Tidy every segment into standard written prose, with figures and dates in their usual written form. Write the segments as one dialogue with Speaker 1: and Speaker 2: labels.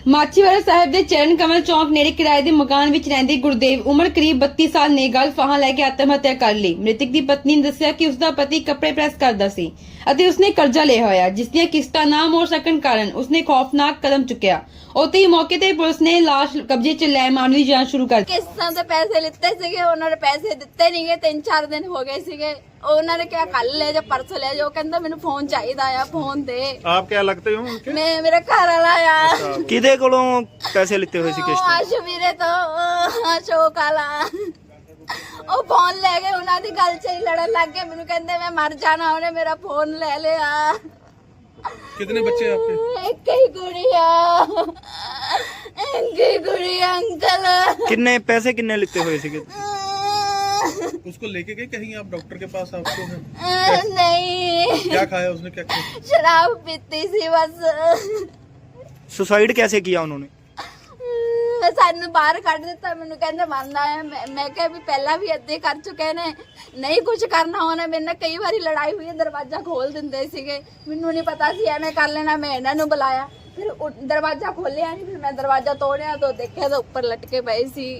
Speaker 1: ਮਾਛੀਵਾੜਾ ਸਾਹਿਬ ਦੇ ਚਰਨ ਕਮਲ ਚੌਂਕ ਨੇੜੇ ਕਿਰਾਏ ਦੇ ਮਕਾਨ ਵਿੱਚ ਰਹਿੰਦੇ ਗੁਰਦੇਵ ਉਮਰ ਕਰੀਬ 32 ਸਾਲ ਨੇ ਗਲ ਫਾਹਾਂ ਲੈ ਕੇ ਆਤਮ ਹੱਤਿਆ ਕਰ ਲਈ। ਮ੍ਰਿਤਕ ਦੀ ਪਤਨੀ ਨੇ ਦੱਸਿਆ ਕਿ ਉਸਦਾ ਪਤੀ ਕੱਪੜੇ ਪ੍ਰੈਸ ਕਰਦਾ ਸੀ ਅਤੇ ਉਸਨੇ ਕਰਜ਼ਾ ਲਿਆ ਹੋਇਆ, ਜਿਸ ਦੀਆਂ ਕਿਸ਼ਤਾਂ ਨਾ ਮੋੜ ਸਕਣ ਕਾਰਨ ਉਸਨੇ ਖੌਫਨਾਕ ਕਦਮ ਚੁੱਕਿਆ। ਉੱਥੇ ਹੀ ਮੌਕੇ ਤੇ ਪੁਲਿਸ ਨੇ ਲਾਸ਼ ਕਬਜ਼ੇ 'ਚ ਲੈ ਮਾਮਲੇ ਦੀ ਜਾਂਚ ਸ਼ੁਰੂ ਕਰ ਦਿੱਤੀ।
Speaker 2: ਕਿਸ਼ਤਾਂ ਦੇ ਪੈਸੇ ਲਿੱਤੇ ਸੀਗੇ, ਉਹਨਾਂ ਨੇ ਪੈਸੇ ਦਿੱਤੇ ਨਹੀਂਗੇ। 3-4 ਦਿਨ ਹੋ ਗਏ ਸੀਗੇ। ਉਹਨਾਂ ਨੇ ਕਿਹਾ ਕੱਲ ਲੈ ਜਾ, ਪਰਸੋਂ ਲੈ ਜਾ। ਕਹਿੰਦਾ ਮੈਨੂੰ ਫੋਨ ਚਾਹੀਦਾ ਆ, ਫੋਨ ਦੇ।
Speaker 3: आप क्या लगते हो उनके?
Speaker 2: ਮੈਂ ਮੇਰਾ ਘਰ ਵਾਲਾ ਆ।
Speaker 4: ਕਿਹਦੇ ਕੋਲੋਂ ਪੈਸੇ ਲਿੱਤੇ ਹੋਏ ਸੀ ਕਿਸ਼ਤ?
Speaker 2: ਅਸ਼ਵੀਰੇ ਤੋਂ ਅਸ਼ੋਕ ਵਾਲਾ। ਉਹ ਫੋਨ ਲੈ ਗਏ, ਉਹਨਾਂ ਦੀ ਗੱਲ 'ਚ ਹੀ ਲੜਨ ਲੱਗ ਗਏ। ਮੈਨੂੰ ਕਹਿੰਦੇ ਮੈਂ ਮਰ ਜਾਣਾ, ਉਹਨੇ ਮੇਰਾ ਫੋਨ ਲੈ ਲਿਆ।
Speaker 3: कितने बच्चे हैं आपके?
Speaker 2: ਇੱਕ ਹੀ ਗੁੜੀਆ, ਇੱਕ ਹੀ ਗੁੜੀਆ ਅੰਕਲ।
Speaker 4: ਕਿੰਨੇ ਪੈਸੇ ਕਿੰਨੇ ਲਿੱਤੇ ਹੋਏ ਸੀਗੇ?
Speaker 3: उसको लेके गए कहीं आप डॉक्टर के पास? आपको है
Speaker 2: नहीं,
Speaker 3: क्या खाया उसने, क्या खाया?
Speaker 2: शराब पीती सी बस।
Speaker 4: ਸੁਸਾਈਡ कैसे किया उन्होंने?
Speaker 2: ਸਾਨੂੰ ਬਾਹਰ ਕੱਢ ਦਿੱਤਾ। ਮੈਨੂੰ ਕਹਿੰਦੇ ਮਰਨਾ ਹੈ। ਮੈਂ ਕਿਹਾ ਵੀ ਪਹਿਲਾਂ ਵੀ ਏਦਾਂ ਕਰ ਚੁੱਕੇ ਨੇ, ਨਹੀਂ ਕੁਝ ਕਰਨਾ ਹੋਣਾ। ਮੇਰੇ ਨਾਲ ਕਈ ਵਾਰੀ ਲੜਾਈ ਹੋਈ ਹੈ, ਦਰਵਾਜ਼ਾ ਖੋਲ ਦਿੰਦੇ ਸੀਗੇ। ਮੈਨੂੰ ਨਹੀਂ ਪਤਾ ਸੀ ਐਵੇਂ ਕਰ ਲੈਣਾ। ਮੈਂ ਇਹਨਾਂ ਨੂੰ ਬੁਲਾਇਆ, ਫਿਰ ਦਰਵਾਜ਼ਾ ਖੋਲਿਆ ਨਹੀਂ। ਫਿਰ ਮੈਂ ਦਰਵਾਜ਼ਾ ਤੋੜਿਆ ਤਾਂ ਦੇਖਿਆ ਤਾਂ ਉੱਪਰ ਲਟਕੇ ਪਏ ਸੀ।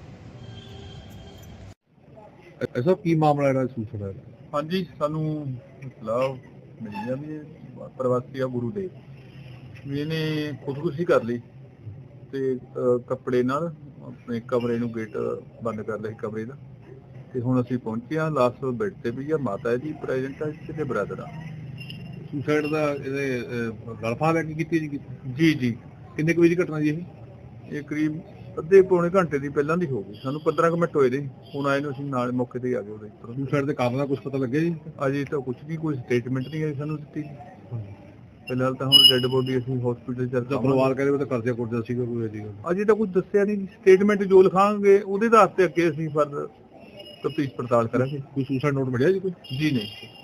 Speaker 5: ਐਸਾ ਕੀ ਮਾਮਲਾ ਜਿਹੜਾ ਸੂਚਨਾ ਹੈ?
Speaker 6: ਹਾਂਜੀ, ਸਾਨੂੰ ਇਤਲਾਹ ਮਿਲੀ ਆ ਵੀ ਇਹ ਪ੍ਰਵਾਸੀ ਆ ਗੁਰੂ ਦੇ ਵੀ ਇਹਨੇ ਖੁਦਕੁਸ਼ੀ ਕਰ ਲਈ ਤੇ ਕੱਪੜੇ ਨਾਲ ਆਪਣੇ ਕਮਰੇ ਨੂੰ ਗੇਟ ਬੰਦ ਕਰ ਲਿਆ ਸੀ ਕਮਰੇ ਦਾ। ਤੇ ਹੁਣ ਅਸੀਂ ਪਹੁੰਚੇ ਆ, ਲਾਸਟ ਬੈੱਡ ਤੇ ਵੀ ਆ, ਮਾਤਾ ਜੀ ਪ੍ਰੈਜ਼ੈਂਟ ਆ, ਤੇ ਬ੍ਰਦਰ ਆ।
Speaker 5: ਸੁਸਾਈਡ ਦਾ ਇਹਦੇ ਗਲਫਾ ਲੈ ਕੇ ਕੀਤੀ ਜੀ?
Speaker 6: ਜੀ ਜੀ,
Speaker 5: ਕਿੰਨੇ ਕੁ ਵਜੇ ਦੀ ਘਟਨਾ ਜੀ ਇਹ?
Speaker 6: ਇਹ ਕਰੀਬ ਅੱਧੇ ਪੌਣੇ ਘੰਟੇ ਦੀ ਪਹਿਲਾਂ ਦੀ ਹੋ ਗਈ। ਸਾਨੂੰ 15 ਕੁ ਮਿੰਟ ਹੋਏ ਦੇ, ਹੁਣ ਆਏ ਨੂੰ ਅਸੀਂ ਨਾਲ ਮੌਕੇ ਤੇ ਹੀ ਆ ਗਏ ਉਹਦੇ ਉੱਪਰ।
Speaker 5: ਸੁਸਾਈਡ ਦੇ ਕਾਰਨ ਦਾ ਕੁਝ ਪਤਾ ਲੱਗਿਆ ਜੀ?
Speaker 6: ਅਜੇ ਤਾਂ ਕੁਝ ਨਹੀਂ, ਕੋਈ ਸਟੇਟਮੈਂਟ ਨਹੀਂ ਆਈ ਸਾਨੂੰ ਦਿੱਤੀ। ਫਿਲਹਾਲ ਤਾਂ ਹੁਣ ਡੈੱਡ ਬੋਡੀ ਅਸੀਂ ਹਸਪੀਟਲ ਚ
Speaker 5: ਤਾਂ ਪਰਿਵਾਰ ਕਹਿੰਦੇ ਉਹ ਤਾਂ ਕਰਜ਼ਾ ਕੁਰਜ਼ਾ ਸੀਗਾ ਕੋਈ ਇਹਦੀ ਗੱਲ?
Speaker 6: ਅਜੇ ਤਾਂ ਕੁਝ ਦੱਸਿਆ ਨਹੀਂ। ਸਟੇਟਮੈਂਟ ਜੋ ਲਿਖਾਂਗੇ ਉਹਦੇ ਆਧਾਰ ਤੇ ਅੱਗੇ ਅਸੀਂ ਫਰਦਰ ਤਫਤੀਸ਼ ਪੜਤਾਲ ਕਰਾਂਗੇ।
Speaker 5: ਕੋਈ ਸੁਸਾਈਡ ਨੋਟ ਮਿਲਿਆ ਜੀ ਕੋਈ?
Speaker 6: ਜੀ ਨਹੀਂ।